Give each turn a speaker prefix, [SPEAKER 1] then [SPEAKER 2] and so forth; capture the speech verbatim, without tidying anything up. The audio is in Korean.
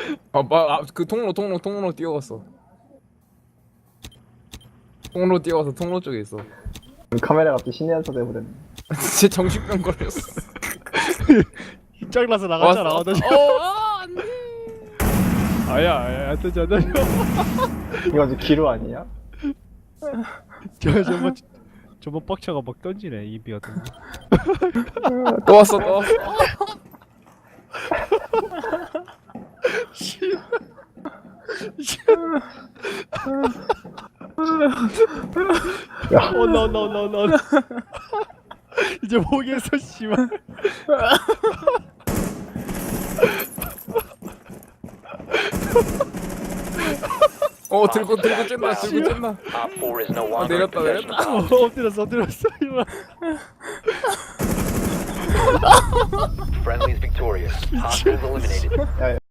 [SPEAKER 1] 아그 통로 통로 통로 뛰어갔어. 통로 뛰어가서 통로 쪽에 있어.
[SPEAKER 2] 카메라가 또 신의 한수 돼버렸네.
[SPEAKER 1] 제 정신병 걸렸어.
[SPEAKER 3] 짱나서 나갔잖아.
[SPEAKER 1] 왔어.
[SPEAKER 3] 나 지금
[SPEAKER 1] 어, 아, 안 돼.
[SPEAKER 3] 아야 아야 안 되지 안 되지.
[SPEAKER 2] 이거 아주 기루 아니야?
[SPEAKER 3] 저 저번 저번 빡쳐가 막 던지네 이비 같은 거.
[SPEAKER 1] 또 왔어 또 왔어.
[SPEAKER 2] 야,
[SPEAKER 3] 온나 온나 온나 온나 온나. 이제 목에서 씨발.
[SPEAKER 1] 어 들고 들고 쨌나 들고 쨌나.
[SPEAKER 4] Op four is no
[SPEAKER 1] 아
[SPEAKER 4] longer in
[SPEAKER 1] 내렸다
[SPEAKER 4] possession
[SPEAKER 1] 내렸다.
[SPEAKER 4] of
[SPEAKER 3] 어, 엎드렸어 엎드렸어 이만.
[SPEAKER 4] friendlies victorious. Hostiles eliminated.
[SPEAKER 2] 야,